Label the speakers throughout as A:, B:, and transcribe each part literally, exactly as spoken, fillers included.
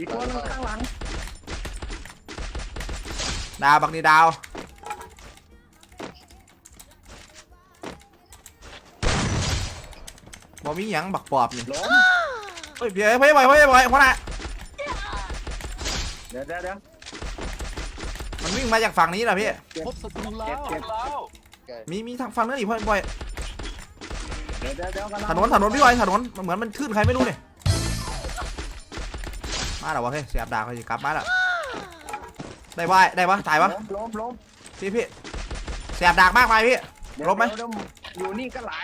A: อีกคนข้างหลัง
B: ดาวบักนี่ดาวบอมีหยังบักปอบนี่เฮ้ยเพี่เพี่บ่อยเพี่บ่อยเพราะน่ะ
A: เดี๋ยวเดี๋ยวเดี๋ยว
B: มันวิ่งมาจากฝั่งนี้แหละพี่
C: พบศัตรูแล้ว
B: มีมีทางฝั่งนั้นอีกพ่อบ่อย
A: เดี๋ยวเดี๋ยวเดี๋ยว
B: ถนนถนนพี่บ่อยถนนเหมือนมันขึ้นใครไม่รู้เนี่ยมาแล้ววะเฮ้ยเสียบดาบเขาจะกลับมาแล้วได้บ่ได้ปะตายปะ
A: ล้มล้ม
B: พี่พี่เสียบดาบมากไปพี่ล้มไหม
A: อยู่นี่ก็หลาย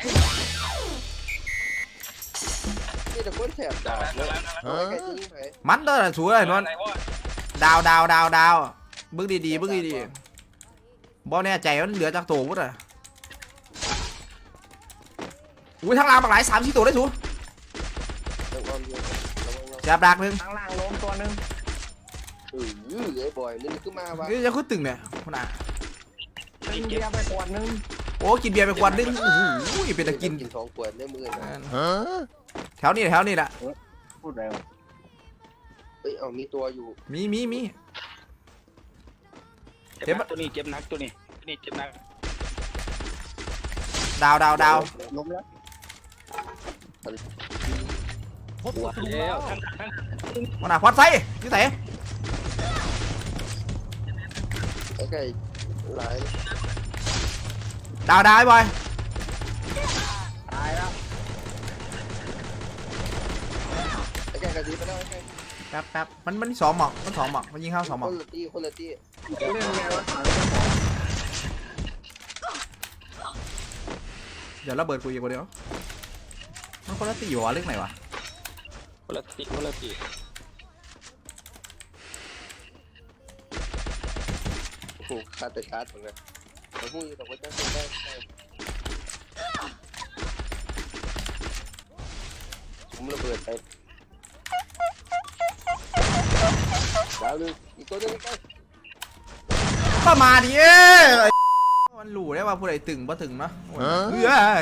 D: นี่แต่คนแสบดาบเลย
B: มันเด้อสวยเลยนวลดาวดาวดาวดาวบึ้งดีๆบึ้งดีๆบอลแน่ใจมันเหลือจากตัววุ้ดอ่ะอุ้ยทางล่างปากไหลสามสี่ตัวได้สูเสียบดาบหนึ่ง
A: ทางล่างล้มตัวหนึ่ง
D: เออไอ้บอยนี่ขึ้นมาวะ
B: นี่จะขึ้นตึงเนี่ยคนอ่ะ
A: กินเบียร์ไปขวดนึง
B: โอ้กินเบียร์ไปขวดนึงโอ้โหเป็นตะกิน
D: กินสองขวดได้มือ
B: แถวนี้แถวนี้แหละ
A: พูดอะไรวะ
D: เฮ้ยเอามีตัวอยู่
B: มีมีมี
C: เจ็บตัวนี้เจ็บนักตัวนี้นี่เจ็บนัก
B: ดาวดาวดาว
A: ล้มแล้ว
C: พบศัตรูแล้ว
B: คนอ่ะพอดไซยี่ไหน
D: ไอ้ไก่หลาย
B: ดาวดาวไอ้บอย
A: ตายแล้ว
D: ไอ้ไก่กระดิ่งไปแล้วไอ้ไก่
B: แป๊บแป๊บมันมันสองหมอกมันสองหมอกมันยิงเข้าสองหมอก
D: คนละตีคนละตี
A: เรื่องไงวะ
B: เดี๋ยวระเบิดกูอีกคนเดียวมันคนละตีอยู่วะเรื่องไหนวะ
C: คนละตีคนละตี
D: โอ้โหคาดแต่คาดเหมือนกันเราพูดแต่ว่าจะได้ผมระเบิดไปดาวนึงอีกตัวนึงไป
B: ก็มาดิเอ้มันหลู่ได้ว่าผู้ใดตึงบ่ตึงเนาะเฮ้ย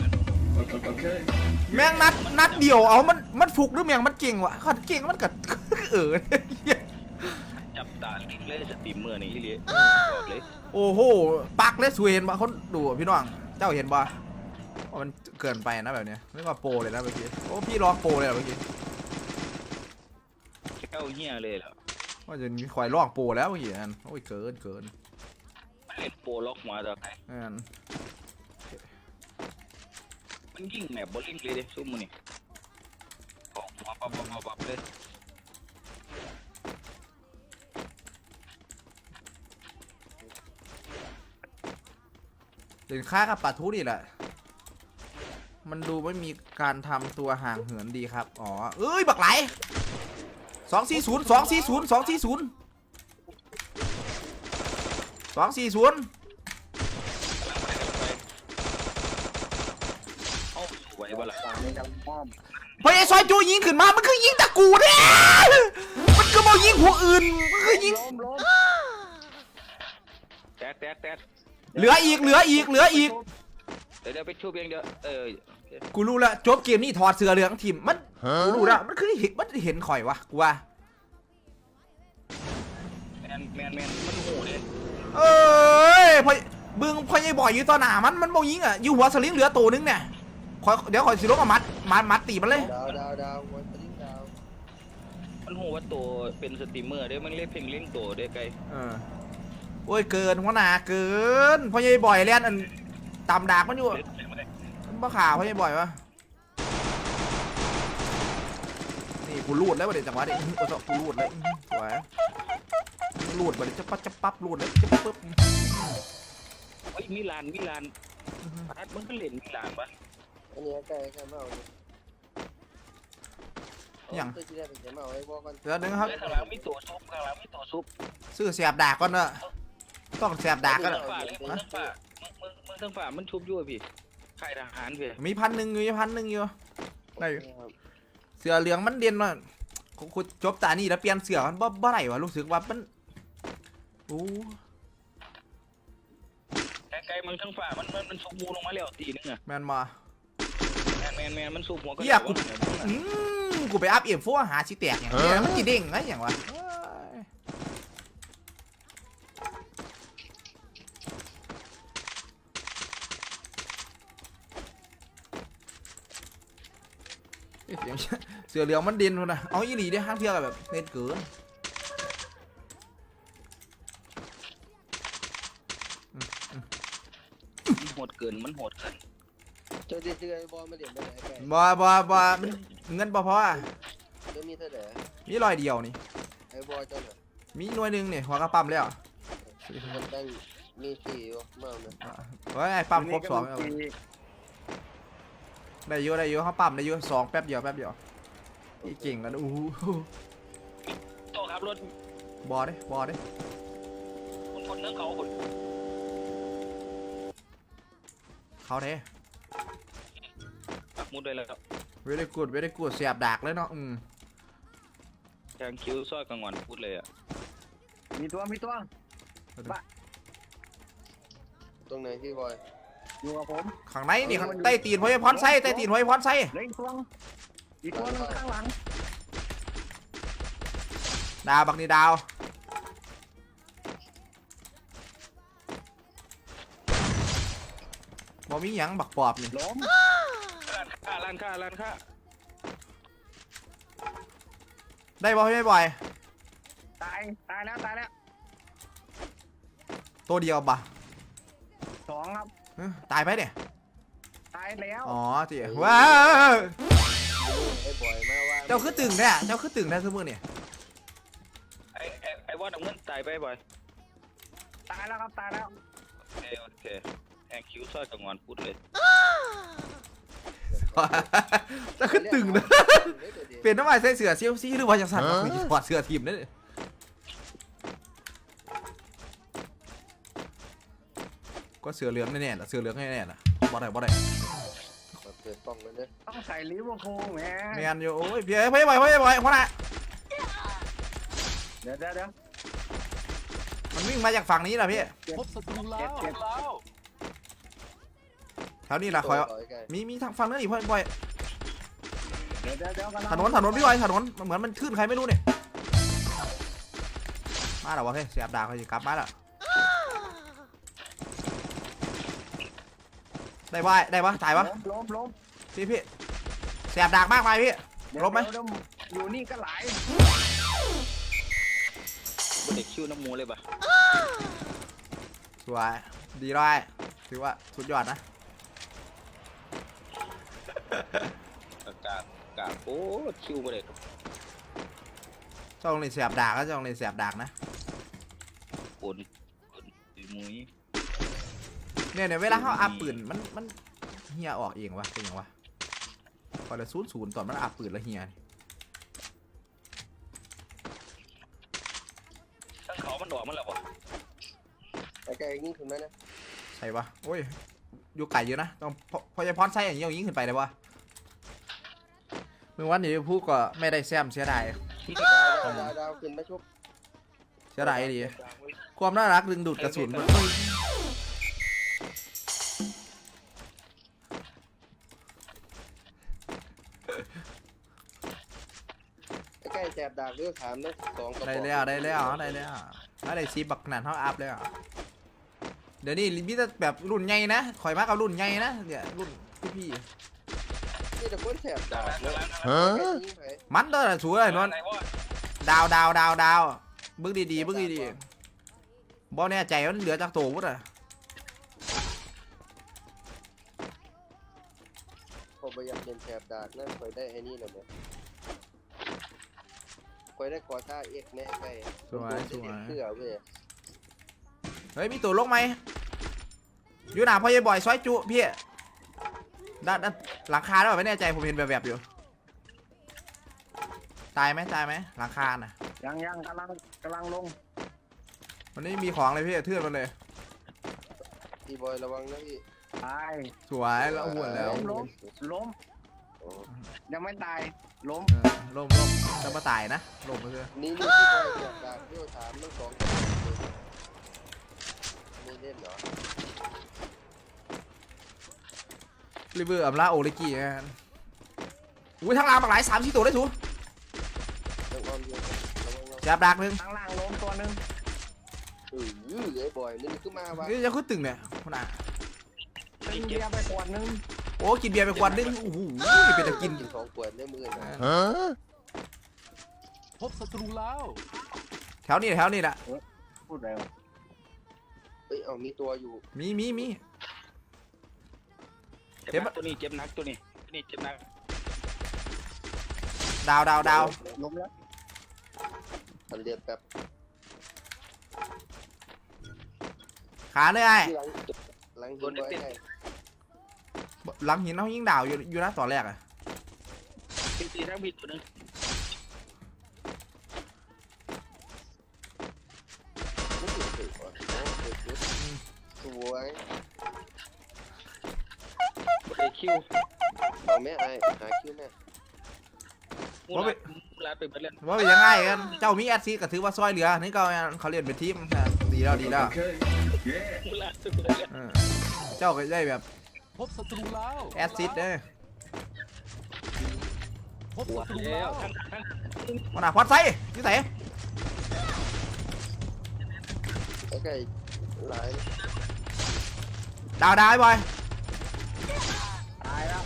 B: แม่งนัดนัดเดียวเอามันมันฟุกหรือแม่งมันเก่งวะขัดเก่งมันกัดเออ
C: จับตาเล่นสตรีมเมอร์นี่เลยเลย
B: โอ้โหปักเลยสวยเห็นป่ะเขาดูพี่น้องเจ้าเห็นป่ะว่ามันเกินไปนะแบบเนี้ยไม่ว่าโปรเลยนะเมื่อกี้โอ้พี่ร้องโปรเลยเมื่อกี้
C: เข้าเหี้ยเลยเหรอ
B: ว่าจะมีควายลอกโปรแล้วเมื่อกี้อันโอ้ยเกินเกิน
C: เล่นโปรล็อกมาจากไหนมันยิงแมปบอลลิงเลยเด้ซุ่มมันนี่ออกมาปั๊บปั๊บปั๊บเลย
B: เด่นค่ากับปลาทูนี่แหละมันดูไม่มีการทำตัวห่างเหินดีครับอ๋อเอ้ยบักไหลสองสี่ศูนย์สองสี่ศูนย์สองสี่ศูนย์สองสี่ศูนย์
C: ไหวบ้าล่ะ
B: พอไอ้ซอยจูยิงขึ้นมามันคือยิงตะกูเนี่ยมันก็มายิงหัวอื่นมันคือยิง
C: แตกแตกแตก
B: เหลืออีกเหลืออีกเหลืออีก
C: เดี๋ยวไปชูเพียงเดียวเออ
B: กูรู้ละจบเกมนี้ถอดเสื้อเหลืองทีมมันกูรู้ละมันคือเห็นมันเห็นข่อยวะกูว่า
C: แมนแมนแมนมันโหดเลย
B: เอ้ยพอบึงพอยังบ่อยอยู่ต่อหน้ามันมันโมยิงอ่ะอยู่หัวสลิงเหลือตัวนึงเนี่ยเดี๋ยวขอสิลบมามัดมัดมัดตีมันเลย
D: ดาวดาวดาววันสลิงดาว
C: มันโหว่าตัวเป็นสตรีมเมอร์ได้มันเล่นเพลงเล่นตัวได้ไกล
B: เออโอ้ยเกินหัวหน้าเกินพอยังบ่อยเล่นอันตามดากมันอยู่มันบ้าข่าวพอยังบ่อยวะนี่กูรูดแล้วประเดี๋ยวจังหวะนี้กูจะกูรูดเลยสวยรูดประเดี๋ยวจะปั๊บจะปั๊บรูดเลยจะปั๊บปั๊บ
C: เฮ้ยมิลานมิลานอัดมันก็เล่นมิลานปะ
D: อันนี้ใกล้ใกล้เมา
B: อย่าง
D: เ
B: ดี๋ยวนึงครับ
C: ข้างหลังมีตัวซุปข้างหลังมีตัวซุป
B: ซื้อเสียบดากก่อนเนอะต้องเสียบดากก่อน
C: มึงทั้งฝ่ามึงมึงทั้งฝ่ามันชุบยั่วพี่ค่ายทหารพี่
B: มีพันหนึ่งอยู่พันหนึ่งอยู่ได้เสือเหลืองมันเด่นว่ะกูจบตานี่แล้วเปลี่ยนเสือมันบ่บ่ไหนวะรู้สึกว่ามันโอ้
C: ไกลๆมันทั้งฝ่ามันมันมันชุบมูลงมาแล้วตีนึงอะ
B: แมนมา
C: แมนแมนแมนมันชุบหัวก็
B: อยากกูมกูไปอัพเอ็มโฟหาชิแตกอย่างเงี้ยมันจีเด้งไงอย่างวะเสียงเสือเหลืองมันดินนะเอาอีหลีได้ห้างเที่ยวแบบเน็ตเกิน
C: มันโหดเกินมันโหดเกิน
D: เจ้าที่ซื้อไอ้บอลมาเดี๋ยวไม่ได้ไก่
B: บ่บ่บ่มันเงินบ่พออ่ะ
D: เจ้ามีเท่าไหร่
B: มีรอยเดียวนี่
D: ไอ้บอลเจ้าน่ะ
B: มีหน่วยหนึ่งนี่หัวกระปั๊มแล้ว
D: มันตั้งมีสี่อยู่มากนะ
B: เฮ้ยไอ้ปั๊มครบสอง
A: นี่
B: เอา
A: ก็มี
B: ได้เยอะได้เยอะเขาปั๊มได้เยอะสองแป๊บเดียวแป๊บเดียวนี่เก่งแล้วนะอู้หู
C: โตครับรถ
B: บอดิบอดิ
C: คนคนเนื้อเขาคน
B: เขาเด้
C: ปักมุดได้แล้ว
B: เวได้กูดเวได้กูดเสียบดากเลยเนาะอืม
C: แทงคิ้วซอยกลางวันพูดเลยอ่ะ
A: มีตัวมีตัว
D: ตรงไหนพี่บอย
A: อยู่กับผม
B: ข้างในนี่ข้างใต้ตีนหัวไอ้พรไส้ใต้ตีนหัวไอ้พรไส้
A: เหลยอีกตัวอีกตัวนึงข้างหลัง
B: ดาวบักนี่ดาวบ่มีหยังบักปอบนี่
A: ล้ม
C: ค่าล้านค่าล้านค่า
B: ได้บ่ไม่บ่อย
A: ตายตายแล้วตายแล้ว
B: ตัวเดียวบ่
A: สองครับ
B: เอ้อตายไปเนี่ย
A: ตายแล้ว
B: อ๋อจีว้าว
D: ไอ้บอยมาว่า
B: เจ้าคือตึงแท้เจ้าคือตึงแท้ทุกมือเนี่ย
C: ไอ้ไอ้ไอ้ว่าน้ำเงินตายไปบ่อย
A: ตายแล้วครับตายแล้ว
C: โอเคโอเคแทงคิ้วซอยกลางวันพูดเลย
B: เจ้าคือตึงนะเปลี่ยนน้ำมันใส่เสือเซี่ยวซี่หรือว่าจะสั่นถอดเสือทีมนั่นเลยก็เสือเหลืองแน่ๆล่ะเสือเหลืองแน่ๆล่ะบ่ได้บ่ได้
D: เปิดกล้องเลยเนี่ย
A: ต้องใส่ลิเวอร์พูลแหม
B: แมนอยู่โอ้ยพี่เอ้ยพี่บ่อยพี่บ่อยเพราะน่ะ
A: เดี๋ยวเดี๋ยวเดี๋ยว
B: มันวิ่งมาจากฝั่งนี้ล่ะพี่
A: พบศัตรูแล้วเจ็บ
B: แถวนี้ล่ะคอย
D: ต่อยไก่
B: มีมีทางฝั่งนั้นอีกพ่อบ่อย
A: เดี๋ยวเดี๋ยวเดี๋ยวกำลัง
B: ถนนถนนพี่บ่อยถนนเหมือนมันขึ้นใครไม่รู้เนี่ยมาแล้ววะเฮ้ยเสียบดาบเขาจะกลับมาแล้วได้บ่ได้ปะตายปะ
A: ล้มล้มล้ม
B: พี่พี่เสียบดาบมากไปพี่
A: เดี๋ยว
B: ล้มไหม
A: เดี๋ยวเดี๋ยวอยู่นี่ก็หลาย
C: บ่เด็กคิ้วน้ำมูเลยป่ะ
B: สวยดีร้อยถือว่าสุดยอดนะ
C: กากกากโอ้คิ้วบ่เด็ก
B: จ้องเลยเสียบดาบก็จ้องเลยเสียบดาบนะ
C: ปนปนดีมุ้ย
B: เนี่ยเนี่ยเวลาเขาอัพปืนมันมันเฮียออกเองวะเป็นยังวะพอละศูนย์ศูนย์ตอนมันอัพปืนแล้วเฮีย
C: ทั้งเขามันดอกมันแล้วป่ะ
D: ไอ้ไก่ยิงถึงไหมนะ
B: ใช่ปะโอ้ยอยู่ไก่เยอะนะต้องพอพอจะพอนไส้อย่างนี้เอายิงขึ้นไปเลยวะเมื่อวันนี้พูดก็ไม่ได้แซมเสียดาย
D: ดาวดาวดาวขึ้นมาชุบ
B: เสียดายดีความน่ารักดึงดูดกระสุนมัน
D: ไอ้ไก่แสบดาบเรื่องถามนะสองกระ
B: ได้
D: บอก
B: แล้วได้แล้วได้แล้วถ้าได้ซีบักขนาดเท่าอัพแล้วเดี๋ยวนี้มีแต่แบบรุ่นใหญ่นะข่อยมากกับรุ่นใหญ่นะเนี่ยรุ่นพี่
D: นี่แต่คนแสบดาบเนาะ
B: ๆมันเด้อสวยนวลดาวดาวดาวดาวบึ้งดีๆบึ้งดีๆบอลแน่ใจมันเหลือจากโตวุ้ดอ่ะ
D: ผมพยายามเล่นแสบดาบนั่นคอยได้ไอ้นี่เลยเนี่ยคอยได้คอท่าเอกแน่ไก่
B: สวยสวย
D: เสื้อเว้ย
B: เฮ้ยมีตัวลงไหมอยู่หนาพ่อใหญ่บ่อยซอยจุพี่ด้านด้านหลังคาได้ป่ะไม่แน่ใจผมเห็นแบบแบบอยู่ตายไหมตายไหมหลังคาน่ะ
A: ยังยังกำลังกำลังลง
B: มันไม่มีของเลยพี่เทือนมันเลย
D: พี่บอยระวังนะพี่
A: ตาย
B: สวยแล้วอ้วนแล้ว
A: ล้มล้มล้มยังไม่ตายล้ม
B: เออล่มล่มจะมาตายนะล่มไปเลย
D: นี่นี่พี่บอยแสบดาบเรื่องถามทั้งสองกระบอกไม่เล่นเหรอ
B: ริเวอร์อัมลาโอริกิกันอุ้ยทางล่างบักหลายสามสี่ตัวได้ถู
D: ต้องอ้อมเยอะระวังระวัง
B: จับดักหนึ่ง
A: ข้างล่างล้มตัวหนึง
D: เออเหลือบ่อยมันขึ้นมาวะ
B: นี่จะขึ้นตึงเนี่ยคนอ่ะ
A: ตึงเบียร์ไปขวดหนึง
B: โอ้กินเบียร์ไปขวดนึงโอ้โหเป็นตะกิน
D: กินสองขวดได้มือนะ
E: พบศัตรูแล้ว
B: แถวนี้แถวนี้แหละ
A: พูดอะไรวะ
D: เฮ้ยเอามีตัวอยู่
B: มีมีมี
C: เจ็บนักตัวนี้เจ็บนักตัวนี้ตัวนี้เจ็บนัก
B: ดาวดาวดาว
A: ล้มแล้ว
D: ทันเรียบแบบ
B: ขาเลยไอ้
D: ที่หลังหลังหินไว้ไง
B: หลังหินเขายิงดาวอยู่อยู่นะตอนแรกอะ
C: เป็นตีทั้งผิดตัวนึง
D: ไม่ถูกถูกว่ะโอ้ถูกถูกสวย
C: บ่ได้คิว
D: เอาแม่ไอ้หาคิวแม่
C: มูลามูลาไปเบิดแล้ว
B: ว่าเป็นยังไงกันเจ้ามีแอดซีก็ถือว่าซอยเหลือนี่ก็เขาเรียนเป็นทีมดีแล้วดีแล้ว
C: มูลาไปเบิดแล้ว
B: เออเจ้าก็ได้แบบ
E: พบศัตรูแล้ว
B: แอดซิดเด้อ
E: พบศัตรู
C: แล้
E: แล้ว ว
C: ทั้งทั้ง
B: วันหน้าพอดไซยี่ใส่
D: โอเคหลาย
B: ดาวดาวไอ้บอย
A: ตายแล้ว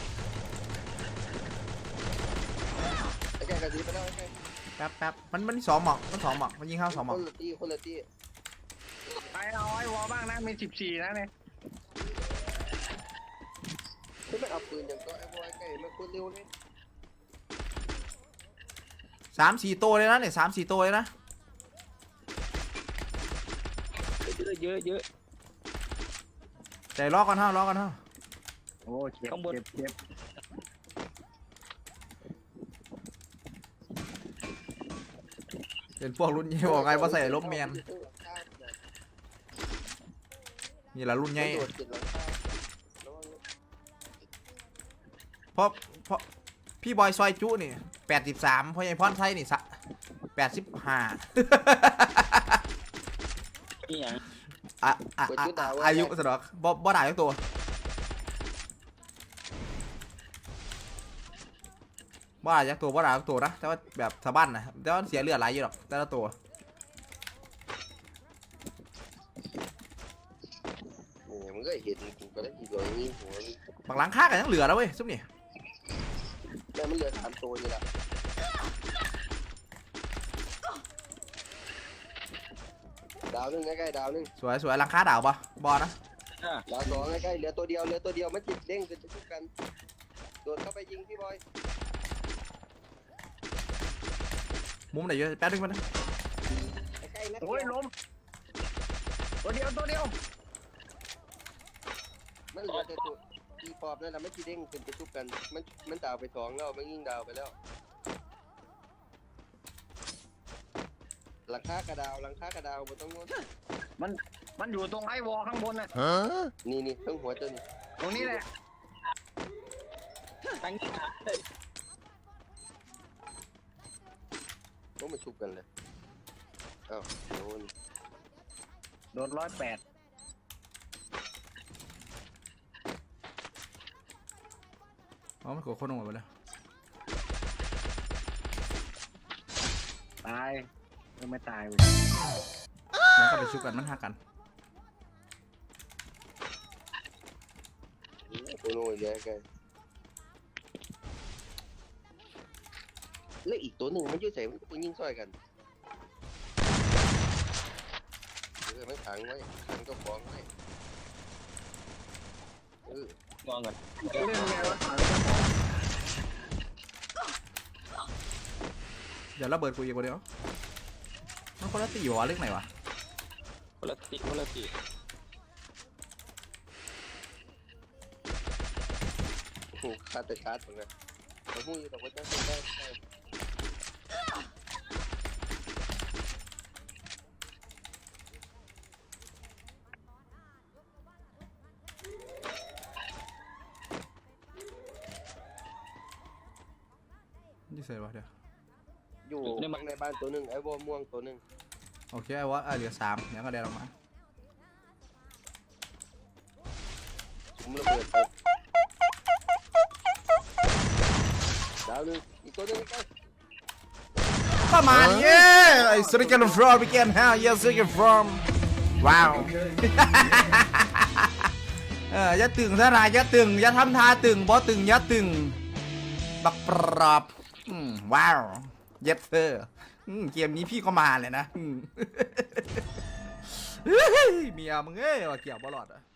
D: ไอ้แกกระดิ่งไปแล้วไอ้แก
B: แป๊บแป๊บมันมันสองหมอกมันสองหมอกมันยิงเข้าสองหม
D: ค
B: อก
D: นละตีคนละตี
A: ไปเอาไอ้วอลบ้างนะมีสิบสี่นะเนี่ย
D: คือมันเอาปืนอย่างก็ไอ้บอยไก่มันคนเร็วเลย
B: สามสี่ตัวเลยนะเนี่ยสามสี่ตัวเลยนะ
C: เยอะเยอะเยอะ
B: แต่ล้อกันเท่าล้อกันเท่า
A: โอ้เจ็บเจ็บเจ็บ
B: เป็นพวกรุ่นใหญ่บอกไงว่าใส่ลบแมนนี่แหละรุ่นใหญ่
D: โดดติดหลังคาระวังนะ
B: เพราะเพราะพี่บอยซอยจุนี่แปดสิบสามพ่อใหญ่พรไทยนี่สะแปดสิบห้า
C: นี่อย่าง
B: อ่ะอ่ะอ่ะอ่ะอายุสนอกบ่บ่ได้ทั้งตัวบ่ได้ทั้งตัวบ่ได้ทั้งตัวนะแต่ว่าแบบสะบั้นนะแต่ว่าเสียเลือดหลายอยู่หรอกแต่ละตัว
D: เนี่ยมันก็เห็นกูก็ได้อีกตัวนี้หัวนี่
B: บางหลังค่ากันยังเหลือแล้วเว้ยซุปนี่
D: แม่มันเหลือสามตัวนี่แหละดาวหนึ่งใกล้ๆดาวหนึ่ง
B: สวยสวยหลังค่าดาวปะบอนะ
D: ดาวสองใกล้ๆเหลือตัวเดียวเหลือตัวเดียวมันจิตเด้งจะชุบกันโดดเข้าไปยิงพี่บอย
B: มุมไหนเยอะแป๊บนึงมัน
D: ใกล้ๆนะ
A: โอ้ยล้มตัวเดียวตัวเดียว
D: มันเหลือแต่ตัวตีปอบนั่นแหละไม่จีเด้งขึ้นไปชุบกันมันมันดาวไปสองแล้วมันยิงดาวไปแล้วหลังคากระดาวหลังคากระดาวบนต้องงด
A: มันอยู่ตรงไอ้วอลข้างบนน่ะ
D: นี่นี่ต้องหัวตัวนี้
A: ตรงนี้แหละ
C: ตั้ง
D: ต้องมาชุบกันเลยอ้าวโดน
A: โดนร้อยแปด
B: อ๋อมันกดโคตรหมดไปแล้ว
A: ตายยังไม่ตายเว้ย
B: มันก็ไปชุบกันมันหักกัน
D: ตัวโน้ยแย่กันแล้วอีกตัวหนึ่งมันยุ่ยใส่มันก็ยิงซอยกันเออไม่ขังไว้ขังก็ฟ้องไว้เออ
C: งองกัน
A: เล่นไงวะ
B: เดี๋ยวระเบิดกูอีกคนเดียวมันคนละตีหัวเรื่องไหนวะ
C: คนละติคนละติ
D: โอ้โหคาดแต่คาดเหมือนกันเขาพูดอยู่แต่ว่าจะได้ได้
B: นี่ใส่วะเดี๋ยว
D: อยู่ข้างในบ้านตัวหนึ่งไอ้บัวม่วงตัวหนึ่ง
B: โอเคไอ้วะอ่ะเหลือสามเดี๋ยวก็เดินออกมา
D: ผมระเบิดไปดาวหนึงอีกตัวหนึงใกล้
B: ประมาณนี้ไอ้สติกันฟรอมไปกันฮะเยสกันฟรอมว้าวเอออย่าตึงซะนายอย่าตึงอย่าทำท่าตึงบ่ตึงอย่าตึงบักปรับอืมว้าวเย็ดเธออืมเกมนี้พี่ก็มาเลยนะอืมเฮ้ยเมียมึงเอ้ยว่าเกี่ยวบอลอดอ่ะ